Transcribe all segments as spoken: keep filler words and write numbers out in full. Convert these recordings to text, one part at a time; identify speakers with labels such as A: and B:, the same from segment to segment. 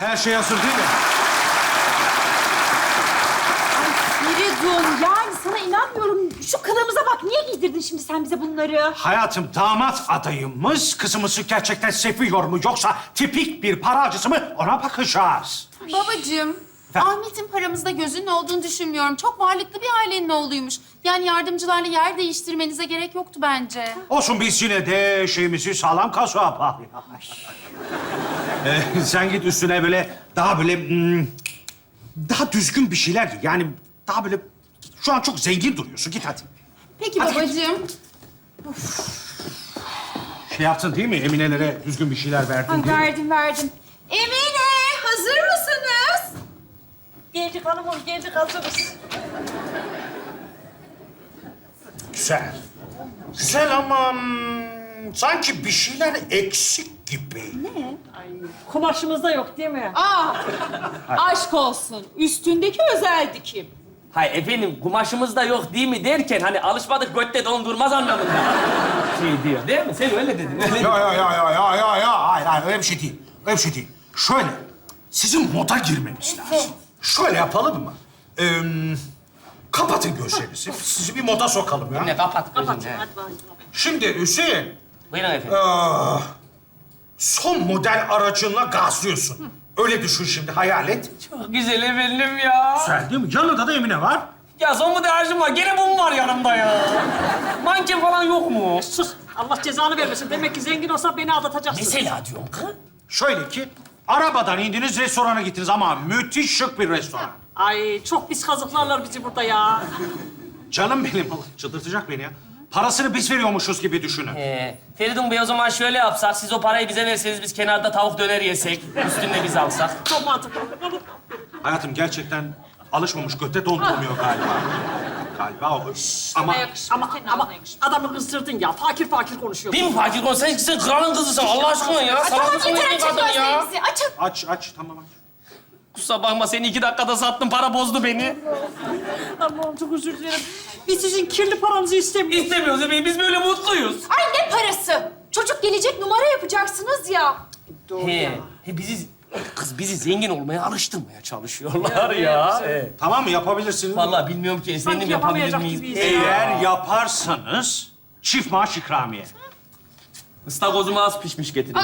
A: Her şey hazır değil mi?
B: Feridun, yani sana inanmıyorum. Şu kılığımıza bak. Niye giydirdin şimdi sen bize bunları?
A: Hayatım, damat adayımız kızımızı gerçekten seviyor mu yoksa tipik bir paracısı mı ona bakacağız.
C: Babacığım,
A: Efendim?
C: Ahmet'in paramızda gözünün olduğunu düşünmüyorum. Çok varlıklı bir ailenin oğluymuş. Yani yardımcılarla yer değiştirmenize gerek yoktu bence.
A: Olsun, biz yine de şeyimizi sağlam kazığa yapalım. ee, sen git üstüne böyle daha böyle hmm, daha düzgün bir şeyler giy. Yani daha böyle şu an çok zengin duruyorsun. Git hadi.
C: Peki
A: Hadi.
C: babacığım.
A: Şey yaptın değil mi? Emine'lere düzgün bir şeyler verdin
B: Ay
A: değil mi?
B: verdim, verdim.
C: Emine, hazır mısınız?
B: Geldik hanımım, geldik hazırız.
A: Güzel. Güzel ama hmm, sanki bir şeyler eksik gibi.
D: Kumaşımızda yok değil mi?
B: Aa, aşk olsun. Üstündeki özel dikim.
E: Hay efendim, kumaşımız da yok değil mi derken hani alışmadık götte dondurmaz anlamında şey diyor değil mi? Sen öyle dedin. Öyle
A: Ya ya ya ya ya ya ya. Hayır hayır, öyle bir şey değil. Öyle bir şey değil. Şöyle, sizin moda girmeniz lazım. Şöyle yapalım mı? Ee, kapatın gözlerinizi. Sizi bir moda sokalım ya.
E: Ne kapat gözünü. he.
D: Hadi bakalım.
A: Şimdi Hüseyin,
E: Buyurun efendim.
A: aa, son model aracınla gazlıyorsun. Öyle düşün şimdi, hayal et.
E: Çok güzel efendim ya.
A: Güzel değil mi? Yanında da Emine var.
E: Ya son model aracım var. Gene bu mu var yanımda ya? Manken falan yok mu?
D: Sus. Allah cezanı vermesin. Demek ki zengin olsa beni aldatacaksın.
E: Mesela diyorum kız.
A: Şöyle ki, arabadan indiniz, restorana gittiniz ama müthiş şık bir restoran.
D: Ay çok pis kazıklarlar bizi burada ya.
A: Canım benim, çıldırtacak beni ya. Parasını biz veriyormuşuz gibi düşünün.
E: Ee, Feridun Bey o zaman şöyle yapsak, siz o parayı bize verseniz biz kenarda tavuk döner yesek, üstünde biz alsak.
D: Çok mantıklı.
A: Hayatım gerçekten alışmamış, göte dondurmuyor galiba. Galiba o. Ama
D: Ama, ama adamı kızdırdın ya. Fakir fakir konuşuyor.
E: Değil mi fakir konu? Sen, sen kralın kızısın Allah aşkına ya. Sana
C: Tamam
E: nasıl
C: yeter,
E: bir
C: açın
E: kadın ya?
C: gözlerinizi, açın.
A: aç aç, tamam aç.
E: Kusura bakma seni iki dakikada sattım, para bozdu beni.
D: Allah'ım çok özür dilerim. Biz sizin kirli paranızı istemiyoruz.
E: İstemiyoruz efendim, biz böyle mutluyuz.
B: Ay ne parası? Çocuk gelecek, numara yapacaksınız ya.
E: He, he bizi, kız bizi zengin olmaya alıştırmaya çalışıyorlar ya. He.
A: Tamam mı, yapabilirsiniz?
E: Vallahi bilmiyorum ki efendim,
D: Sanki
E: yapabilir
D: yapamayacak
E: miyiz?
D: gibiyiz.
A: Eğer yaparsanız çift maaş ikramiye.
E: Istakozumu az pişmiş getirin.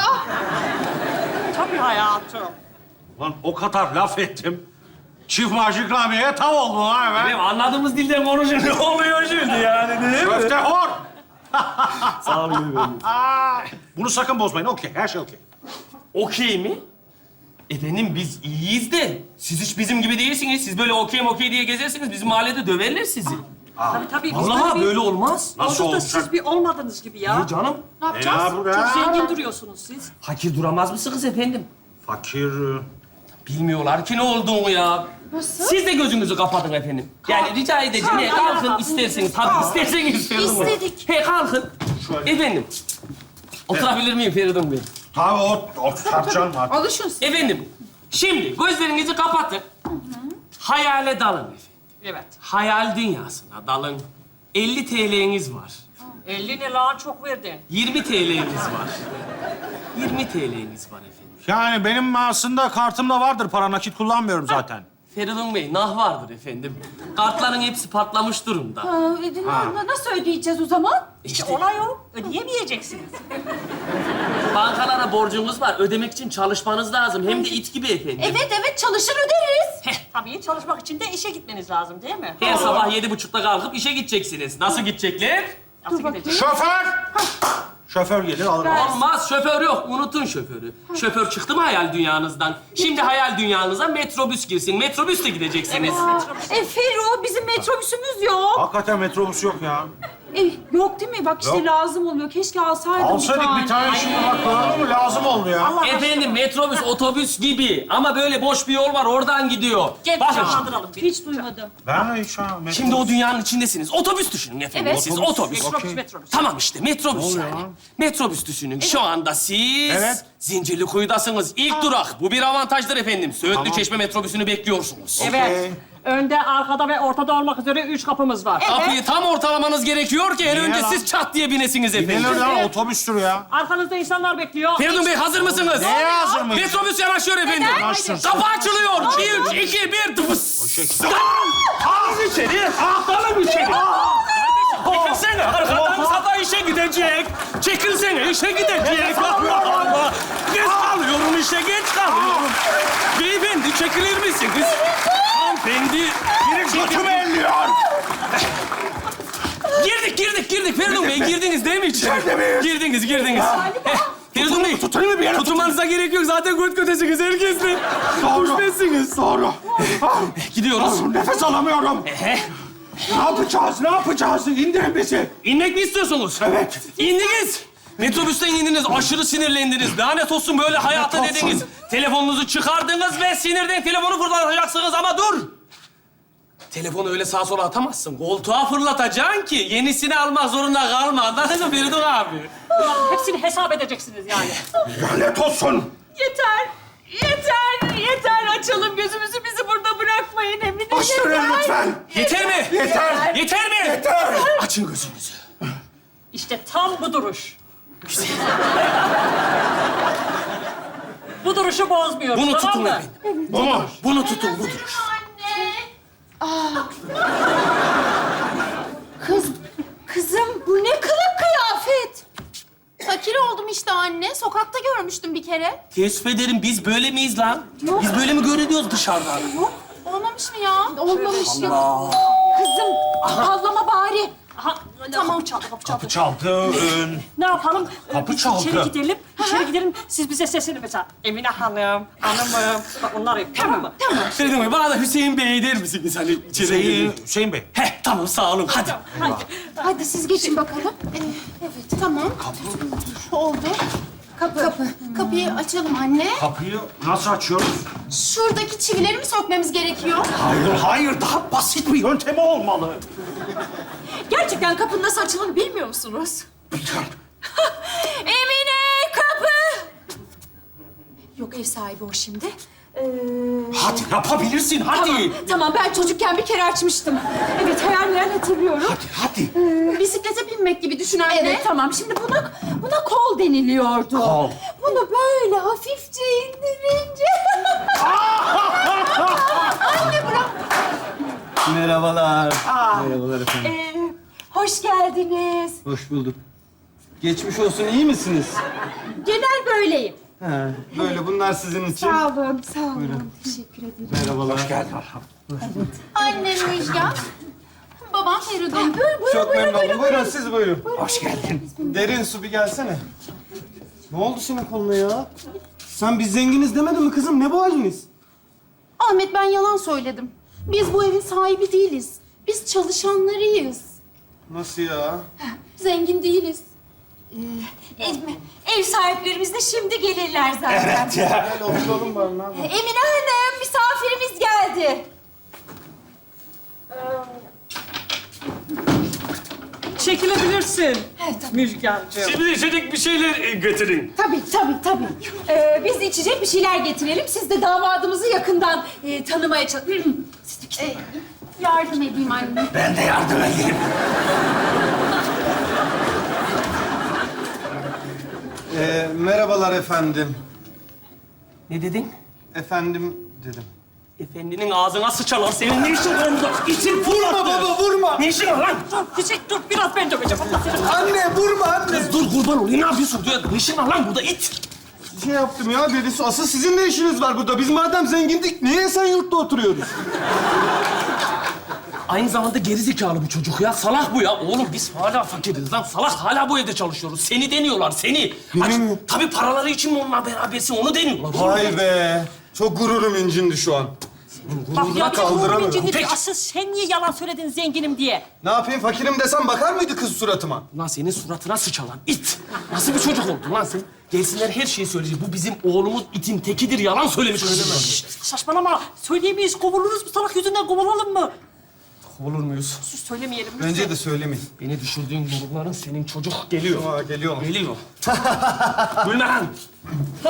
D: Tabii hayatım.
A: Lan o kadar laf ettim. Çift maaş ikramiyeye tav oldu ha hemen.
E: Efendim anladığımız dilden konuşun, ne oluyor şimdi yani değil mi?
A: Köfte hor.
E: Sağ olun efendim.
A: Aa, bunu sakın bozmayın. Okey, her şey okey.
E: Okey mi? Efendim biz iyiyiz de siz hiç bizim gibi değilsiniz. Siz böyle okey okey diye gezersiniz, bizim mahallede döverler sizi.
D: Tabii tabii. biz
E: Vallahi
D: bir-
E: böyle olmaz.
A: Nasıl
D: Orada da
A: olacak?
D: siz bir olmadınız gibi ya.
E: Ne canım?
C: Ne
A: E,
C: yapacağız?
A: ne yapalım?
D: Çok zengin duruyorsunuz siz.
E: Fakir duramaz mısınız efendim?
A: Fakir. e,
E: Bilmiyorlar ki ne olduğunu ya.
C: Nasıl?
E: Siz de gözünüzü kapatın efendim. Yani rica edeceğim. He, kalkın isterseniz. Tabii isterseniz Feridun Bey.
B: İstedik.
E: He kalkın.
A: Şöyle.
E: Efendim. Oturabilir miyim Feridun Bey?
A: Tabii o, o tartacağım artık.
B: Alışın siz.
E: Efendim. Şimdi gözlerinizi kapatın. Hayale dalın efendim.
D: Evet.
E: Hayal dünyasına dalın. elli T L'niz var.
D: elli ne lan çok verdin.
E: yirmi T L'niz var. yirmi T L'niz var efendim.
A: Yani benim aslında kartımda vardır para, nakit kullanmıyorum zaten.
E: Feridun Bey, nah vardır efendim. Kartların hepsi patlamış durumda.
B: Aa, e, na- nasıl ödeyeceğiz o zaman?
E: İşte
D: Olay o. Ödeyemeyeceksiniz.
E: bankalara borcunuz var. Ödemek için çalışmanız lazım. Hem de it gibi efendim.
B: Evet evet, çalışır öderiz.
D: Tabii çalışmak için de işe gitmeniz lazım değil mi?
E: Her sabah yedi buçukta kalkıp işe gideceksiniz. Nasıl gidecekler?
D: Nasıl gideceğiz?
A: Şoför! Şoför gelir alır.
E: Olmaz, şoför yok. Unutun şoförü. Şoför çıktı mı hayal dünyanızdan? Şimdi hayal dünyanıza metrobüs girsin. Metrobüsle gideceksiniz.
B: E Ferru, bizim metrobüsümüz yok.
A: Hakikaten metrobüs yok ya.
B: E, yok değil mi? Bak işte
A: Yok.
B: lazım oluyor. Keşke alsaydım
A: Alsaydık bir tane şimdi bak, gördün mü? Lazım oldu ya.
D: Allah
E: Efendim metrobüs otobüs gibi ama böyle boş bir yol var oradan gidiyor.
D: Gel
E: Bakın
D: canlandıralım. Bir.
B: Hiç duymadım.
A: Ben hiç ha, metrobüs.
E: şimdi o dünyanın içindesiniz. Otobüs düşünün efendim.
B: Evet.
E: Siz otobüs.
D: Metrobüs,
A: Okey.
D: metrobüs.
E: Tamam işte metrobüs
A: oluyor
E: yani.
A: ya?
E: Metrobüs düşünün. Şu anda siz
A: Evet.
E: Zincirlikuyu'dasınız. İlk durak. Bu bir avantajdır efendim. Söğütlü
A: Tamam.
E: Çeşme metrobüsünü bekliyorsunuz.
D: Evet. Önde, arkada ve ortada olmak üzere üç kapımız var.
E: Kapıyı tam ortalamanız gerekiyor ki en
A: Niye
E: önce
A: lan?
E: siz çat diye binesiniz efendim.
A: Neler ya? Otobüstür ya.
D: Arkanızda insanlar bekliyor.
E: Feridun Bey hazır mısınız?
A: Neye hazır mıyız?
E: Metrobüs yanaşıyor efendim.
A: Yanaşsın.
E: Kapı açılıyor. Bir, iki, bir, tıpıs. Dalın içeri. Dalın içeri. Çekilsene. Arkadan sabah işe gidecek. Çekilsene işe gidecek. Allah Allah. Geç kalıyorum işe geç kalıyorum. Beyefendi çekilir misiniz? Hanımefendi.
A: Götümü elliyor.
E: Girdik, girdik, girdik. Feridun Bey, girdiniz değil mi içeri?
A: İçeride miyiz?
E: Girdiniz, girdiniz. Heh, Feridun Bey,
A: Tutayım mı bir yere?
E: tutulmanıza gerek yok. Zaten göt götesiniz herkesle.
A: Doğru.
E: Hoşbetsiniz.
A: Doğru. Ah,
E: Gidiyoruz.
A: Nefes alamıyorum.
E: Ehe.
A: Ne yapacağız? Ne yapacağız? İndirin bizi.
E: İnmek mi istiyorsunuz?
A: Evet.
E: İndiniz. Metrobüsten indiniz, aşırı sinirlendiniz. Lanet olsun böyle hayatı
A: Lanet olsun.
E: dediniz. Telefonunuzu çıkardınız ve sinirden telefonu fırlatacaksınız ama dur. Telefonu öyle sağa sola atamazsın. Koltuğa fırlatacaksın ki yenisini almak zorunda kalma. Anladın mı Feridun abi?
D: Hepsini hesap edeceksiniz yani.
A: Lanet olsun.
B: Yeter. Yeter. Yeter. Açalım gözümüzü. Bizi burada bırakmayın Emine.
A: Açtırın lütfen.
E: Yeter mi?
A: Yeter.
E: Yeter mi?
A: Yeter.
E: Açın gözünüzü.
D: İşte tam bu duruş. Bu duruşu bozmuyoruz,
E: Bunu
D: tamam
E: tutun
D: mı?
E: efendim. Bunu, bunu tutun, bu duruş.
B: Kız, kızım bu ne kılık kıyafet?
C: Fakir oldum işte anne. Sokakta görmüştüm bir kere.
E: Teessüf ederim, biz böyle miyiz lan? Biz böyle mi görünüyoruz dışarıdan?
C: Olmamış mı ya?
B: Olmamış ya. Kızım, ağlama bari.
D: Aha, tamam. Kapı çaldı, kapı çaldı.
A: Kapı çaldı. Ee,
D: Ne yapalım? Ee,
A: Kapı
D: biz
A: çaldı.
D: İçeri gidelim, içeri gidelim. Siz bize sesini mesela. Emine Hanım, hanımım. Bak onlar yok, tamam mı? Tamam.
E: Feridun Bey, bana da Hüseyin Bey der misiniz hani içeri
A: Hüseyin,
E: girelim?
A: Hüseyin Bey.
E: Heh, tamam sağ olun, hadi.
D: Hadi.
B: Hadi siz geçin bakalım.
C: Evet, tamam. Kapı. Oldu. Kapı. Kapı. Kapıyı açalım anne.
A: Kapıyı nasıl açıyoruz?
C: Şuradaki çivileri mi sökmemiz gerekiyor?
A: Hayır, hayır. Daha basit bir yöntemi olmalı.
B: Gerçekten kapının nasıl açıldığını bilmiyor musunuz? Emine kapı! Yok ev sahibi o şimdi. Ee,
A: Hadi yapabilirsin, hadi.
B: Tamam, tamam ben çocukken bir kere açmıştım. Evet hayal meyal hatırlıyorum.
A: Hadi, hadi.
C: Bisiklete binmek gibi düşün anne.
B: Evet tamam şimdi buna buna kol deniliyordu.
A: Kol.
B: Bunu böyle hafifçe indirince.
F: Merhabalar. Merhabalar efendim.
B: Ee, hoş geldiniz.
F: Hoş bulduk. Geçmiş olsun, iyi misiniz?
B: Genel böyleyim.
F: He, böyle bunlar sizin için.
B: Sağ olun, sağ olun. Teşekkür ederim.
F: Merhabalar.
A: Hoş geldin.
C: Annem Müjgan. Babam Feridun.
B: Buyurun, buyurun,
F: Çok
B: buyurun,
F: memnun
B: buyurun,
F: oldum. Buyurun siz buyurun.
A: Hoş geldin.
F: Derin su bir gelsene. Ne oldu senin koluna ya? Sen biz zenginiz demedin mi kızım? Ne bu haliniz?
C: Ahmet ben yalan söyledim. Biz bu evin sahibi değiliz. Biz çalışanlarıyız.
F: Nasıl ya?
C: Zengin değiliz.
B: Ev, ev sahiplerimiz de şimdi gelirler zaten.
A: Evet ya.
F: Gel oturalım bari ne yapalım?
B: Emine Hanım, misafirimiz geldi.
D: Çekilebilirsin.
B: Evet, tabii.
D: Müjgancığım.
E: Şimdi içecek bir şeyler e, getirin.
B: Tabii, tabii, tabii. Ee, biz içecek bir şeyler getirelim. Siz de damadımızı yakından e, tanımaya çalışın.
C: Ee, yardım edeyim anne.
A: Ben de yardım edeyim.
F: Ee, merhabalar efendim.
E: Ne dedin?
F: Efendim dedim.
E: Efendinin ağzına sıçalan senin ne işin var burada? İçin
F: Vurma baba, vurma.
E: Ne işin var lan?
D: Dur, Çiçek dur, biraz ben döveceğim. Allah seni.
F: Anne, vurma anne.
E: Kız dur kurban olayım, ne yapıyorsun? Dur, ne işin var lan burada it?
F: Şey yaptım ya, deli su. Asıl sizin ne işiniz var burada? Biz madem zengindik, niye Esenyurt'ta oturuyoruz?
E: Aynı zamanda gerizekalı bir çocuk ya. Salak bu ya. Oğlum biz hala fakiriz lan. Salak hala bu evde çalışıyoruz. Seni deniyorlar, seni. Aç,
F: mi?
E: tabii paraları için mi onunla berabersin, onu deniyorlar.
F: Vay be. Çok gururum incindi şu an.
D: Bak ya,
F: kaldıramıyorum.
D: kaldıramıyorum.
E: Peki.
D: Asıl sen niye yalan söyledin zenginim diye?
F: Ne yapayım, fakirim desem bakar mıydı kız suratıma?
E: Lan senin suratına sıçalan it. Nasıl bir çocuk oldun lan sen? Gelsinler her şeyi söyleyecek. Bu bizim oğlumuz itin tekidir. Yalan söylemiş öyle mi?
D: Saçmalama. Söyleyemeyiz. Kovuluruz bu salak yüzünden kovulalım mı?
E: Olur muyuz?
D: Sus söylemeyelim. lütfen.
F: Bence de söylemeyin.
E: Beni düşürdüğün durumların senin çocuk geliyor.
F: Aa, geliyorlar.
E: Geliyor. Gülme lan.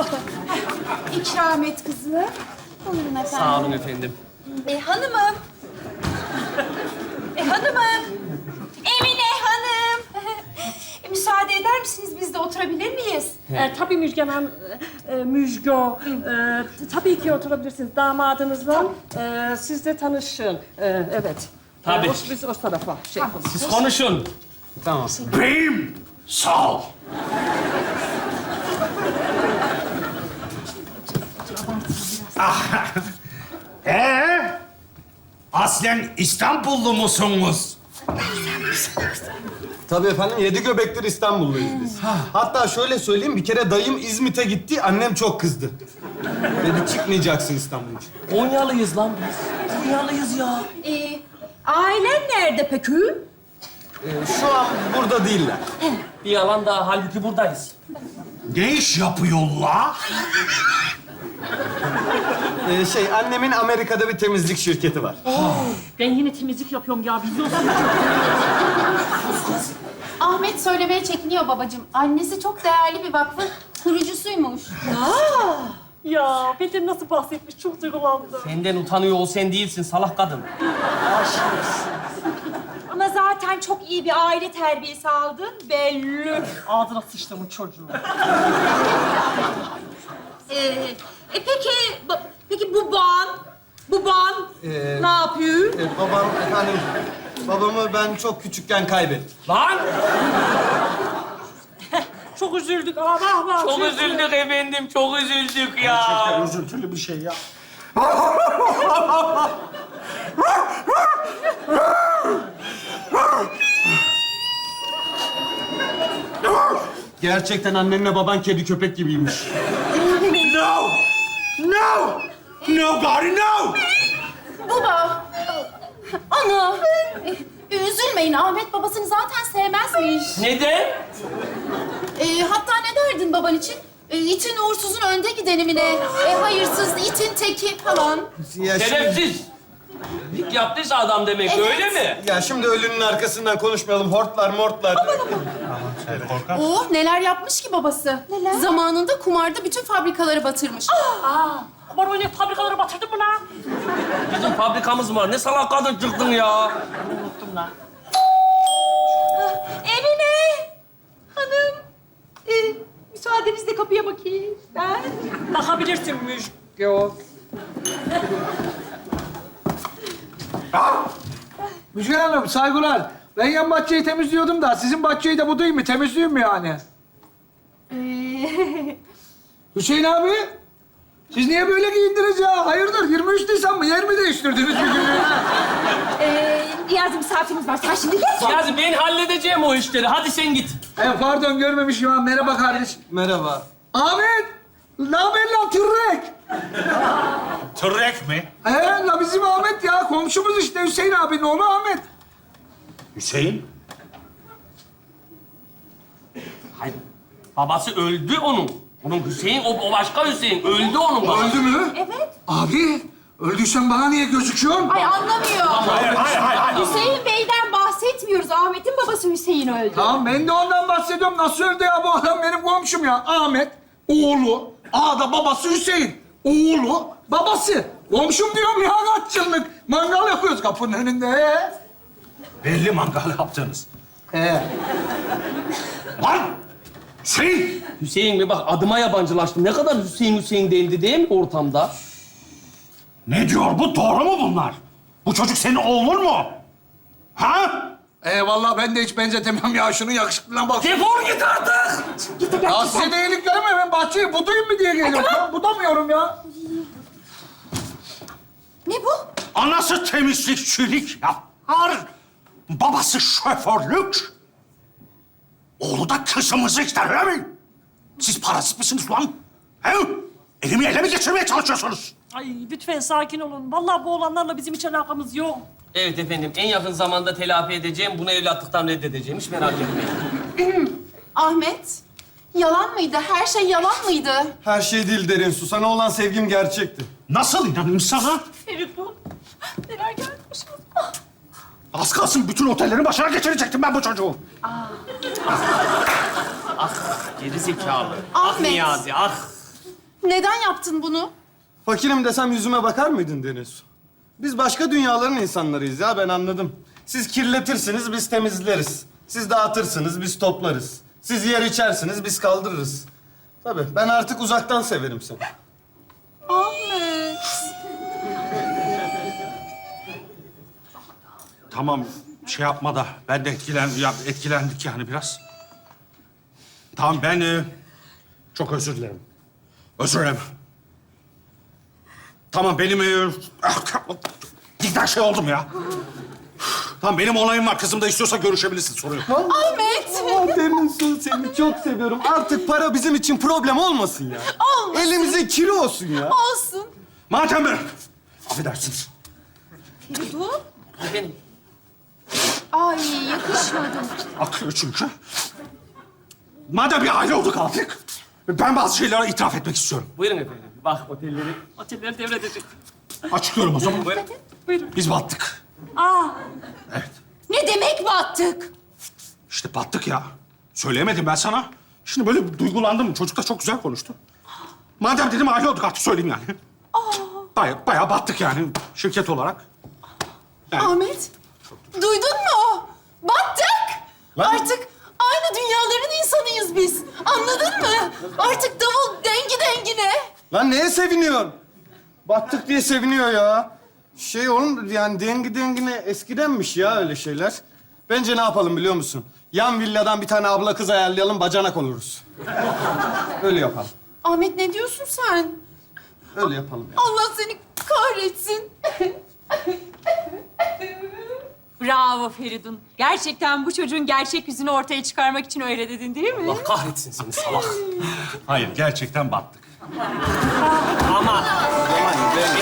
B: İkram et kızım.
C: Buyurun efendim.
E: Sağ olun efendim.
B: E, hanımım, E, hanımım. Emine Hanım. E, müsaade eder misiniz? Biz de oturabilir miyiz?
D: Ee, tabii Müjgan Hanım, e, e, Müjgo. E, tabii ki oturabilirsiniz damadınızla. E, siz de tanışın. E, evet.
E: Tabii.
D: E, o- biz o tarafa şey yapalım.
E: Siz konuşun.
F: Tamam.
A: Beyim, sağ ol. Ah, ee, aslen İstanbullu musunuz?
F: Tabii efendim, yedi göbektir İstanbulluyuz biz. Hatta şöyle söyleyeyim, bir kere dayım İzmit'e gitti, annem çok kızdı. Dedi, çıkmayacaksın İstanbul'dan.
E: Konyalıyız lan biz. Konyalıyız ya.
B: E, ailen nerede peki?
F: Ee, şu an burada değiller.
E: Bir yalan daha, halbuki buradayız.
A: Ne iş yapıyorlar?
F: Ee, şey, annemin Amerika'da bir temizlik şirketi var.
D: Ben yine temizlik yapıyorum ya, biliyorsun.
C: Ahmet söylemeye çekiniyor babacığım. Annesi çok değerli bir vakfın kurucusuymuş.
D: Ya Peter nasıl bahsetmiş, çok duygulandım.
E: Senden utanıyor ol, sen değilsin salak kadın.
B: Ama zaten çok iyi bir aile terbiyesi aldın belli.
D: Ağzına sıçtım bu çocuğu.
B: Ee, e peki, ba- peki bu ban, bu ban
F: Ee,
B: ne yapıyor?
F: Ee, babam, efendim, babamı ben çok küçükken kaybettim.
E: Lan!
D: Çok üzüldük ama bak bak.
E: Çok üzüldük efendim, çok üzüldük ya.
A: Gerçekten üzüntülü bir şey ya.
F: Gerçekten annenle baban kedi köpek gibiymiş.
A: No! No! No, Gari, no!
C: Baba, ana, e, üzülmeyin. Ahmet babasını zaten sevmezmiş.
E: Neden?
C: E, hatta ne derdin baban için? E, itin uğursuzun önde gideni mi ne? E, hayırsız, itin teki falan.
F: Ya şimdi,
E: Şerefsiz. Dik yaptıysa adam demek,
C: Evet.
E: öyle mi?
F: ya şimdi ölünün arkasından konuşmayalım. Hortlar, mortlar.
C: Oh, neler yapmış ki babası? Neler? Zamanında kumarda bütün fabrikaları batırmış.
D: Aman öyle fabrikaları batırdın mı lan?
E: Bizim fabrikamız var. Ne salak kadın çıktın ya.
D: Unuttum lan.
B: Emine Hanım, e, müsaadenizle kapıya bakayım ben.
D: Bakabilirsin Müjgo.
G: Müjgan Hanım, saygılar. Ben yan bahçeyi temizliyordum da sizin bahçeyi de budayım mı, temizleyeyim mi yani? Hüseyin abi, siz niye böyle giyindiniz ya? Hayırdır, yirmi üç Nisan mı? Yer mi değiştirdiniz bir günlüğüne?
B: Ee, Niyazi misafirimiz var. Sen şimdi geç.
E: Niyazi ben halledeceğim o işleri. Hadi sen git.
G: E, pardon, görmemişim ha. Merhaba kardeş.
F: Merhaba.
G: Ahmet, ne haber lan tırrek?
A: Tırrek mi?
G: He, la bizim Ahmet ya. Komşumuz işte Hüseyin abinin oğlu Ahmet.
A: Hüseyin?
E: Hayır. Babası öldü onun. Onun Hüseyin, o, o başka Hüseyin. Öldü onun babası.
G: Öldü mü?
B: Evet.
G: Abi, öldüysen bana niye gözüküyorsun?
B: Ay anlamıyor.
A: Hayır, hayır, hayır, hayır.
B: Hüseyin Bey'den bahsetmiyoruz. Ahmet'in babası Hüseyin öldü.
G: Tamam, ben de ondan bahsediyorum. Nasıl öldü ya bu adam? Benim komşum ya. Ahmet, oğlu, A'da babası Hüseyin. Oğlu, babası. Komşum diyorum ya, kaç yıllık. Mangal yapıyoruz kapının önünde.
A: Belli mangal yaptınız.
G: He.
A: Lan! Hüseyin!
E: Hüseyin mi? Bak adıma yabancılaştım. Ne kadar Hüseyin Hüseyin dendi değil mi ortamda?
A: Ne diyor bu? Doğru mu bunlar? Bu çocuk senin oğlun mu? Ha?
G: Ee, vallahi ben de hiç benzetemem ya. Şunun yakışıklılığına bak.
E: Defol git artık!
G: Ya size de iyiliklerim mi? Ben bahçeyi budayım mı diye geliyorum. Ben budamıyorum ya.
B: Ne bu?
A: Anası temizlikçilik yapar. Babası şoförlük. Oğlu da kızımızı ister, öyle mi? Siz parazit misiniz lan? He? Elimi ele mi geçirmeye çalışıyorsunuz?
D: Ay lütfen sakin olun. Vallahi bu olanlarla bizim hiç alakamız yok.
E: Evet efendim, en yakın zamanda telafi edeceğim. Bunu evlatlıktan reddedeceğim. Hiç merak etmeyin.
C: Ahmet, yalan mıydı? Her şey yalan mıydı?
F: Her şey değil derin su. Sana olan sevgim gerçekti.
A: Nasıl inanayım sana?
B: Feridun, neler geldi başımıza?
A: Az kalsın bütün otellerin başına geçirecektim ben bu çocuğu.
E: Geri zekalı. Ah
C: Ahmet.
E: Niyazi, ah.
C: Neden yaptın bunu?
F: Fakirim desem yüzüme bakar mıydın Deniz? Biz başka dünyaların insanlarıyız ya, ben anladım. Siz kirletirsiniz, biz temizleriz. Siz dağıtırsınız, biz toplarız. Siz yer içersiniz, biz kaldırırız. Tabii, ben artık uzaktan severim seni.
C: Ahmet.
A: Tamam, şey yapma da ben de etkilen, ya, etkilendik yani biraz. Tamam, ben e, çok özür dilerim. Özür dilerim. Tamam, benim... E, cidden şey oldum ya. Tamam, benim olayım var. Kızım da istiyorsa görüşebilirsin, sorun yok.
C: Ahmet.
F: Oh, Derin Su, seni çok seviyorum. Artık para bizim için problem olmasın ya.
C: Olmasın.
F: Elimize kiri olsun ya.
C: Olsun.
A: Madem ben... Affedersiniz.
C: Feridun. Ay yakışmadı.
A: Akıyor çünkü. Madem bir aile olduk artık, ben bazı şeyleri itiraf etmek istiyorum.
E: Buyurun efendim. Bak otelleri, otelleri devredecek.
A: Açıklıyorum o zaman.
E: Buyurun.
D: Buyurun.
A: Biz battık.
B: Aa,
A: Evet.
C: Ne demek battık?
A: İşte battık ya. Söyleyemedim ben sana. Şimdi böyle bir duygulandım. Çocuk da çok güzel konuştu. Madem dedim aile olduk artık söyleyeyim yani. Baya, bayağı battık yani şirket olarak. Yani
C: Ahmet. Duydun mu? Battık.
F: Lan-
C: Artık aynı dünyaların insanıyız biz. Anladın mı? Artık davul dengi dengine.
F: Lan neye seviniyorsun? Battık diye seviniyor ya. Şey oğlum, yani dengi dengine eskidenmiş ya öyle şeyler. Bence ne yapalım biliyor musun? Yan villadan bir tane abla kız ayarlayalım, bacanak oluruz. Öyle yapalım.
C: Ahmet ne diyorsun sen?
F: Öyle yapalım ya.
C: Allah seni kahretsin.
B: bravo Feridun. Gerçekten bu çocuğun gerçek yüzünü ortaya çıkarmak için öyle dedin değil mi?
E: Allah kahretsin seni salak.
A: hayır gerçekten battık.
E: Ama
F: Aman,